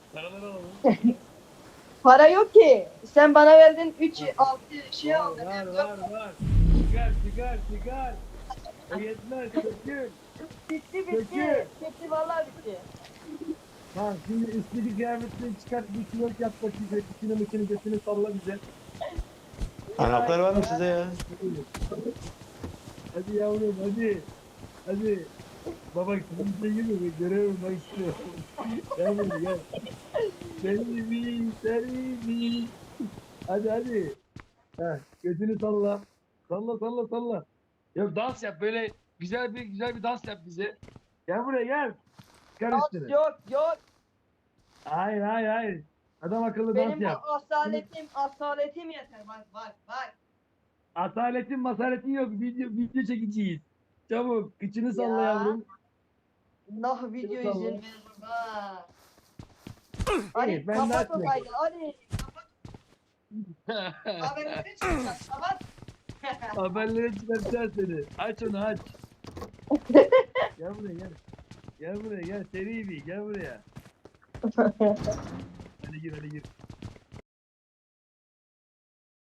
Paraları alalım. Para yok ki. Sen bana verdin 3 6 şey Var aldın. var Yok. var var. Çıkar. O yetmez. Sökül. Bitti. Sökül. Bitti vallahi bitti. Bak şimdi üstteki kıyafetini çıkart. Bir kilo yap bakayım. İçini mıçını götünü salla bize. Anahtar var mı size ya? Hadi yavrum hadi. Hadi. Baba kimse gibi görevim bak istiyor. Gel buraya gel. Seni. Hadi. Heh, götünü salla. Salla. Ya dans yap böyle güzel bir dans yap bize. Gel buraya gel. Çıkar üstüne. Yok. Hayır. Adam akıllı dans Benim bu yap. asaletim yeter. Bak. Masaletin yok. Video çekeceğiz. Çabuk. Kıçını salla Ya. yavrum. Nah video Salla. izin veririm ha. Hadi İyi, ben de kapat o açmayayım. kaydı. Hadi. Haberleri çıkacak. Kapat. Haberlere çıkartacağız seni. Aç onu aç. Gel buraya gel. Gel buraya gel. Seri bir gel buraya. Hadi gir.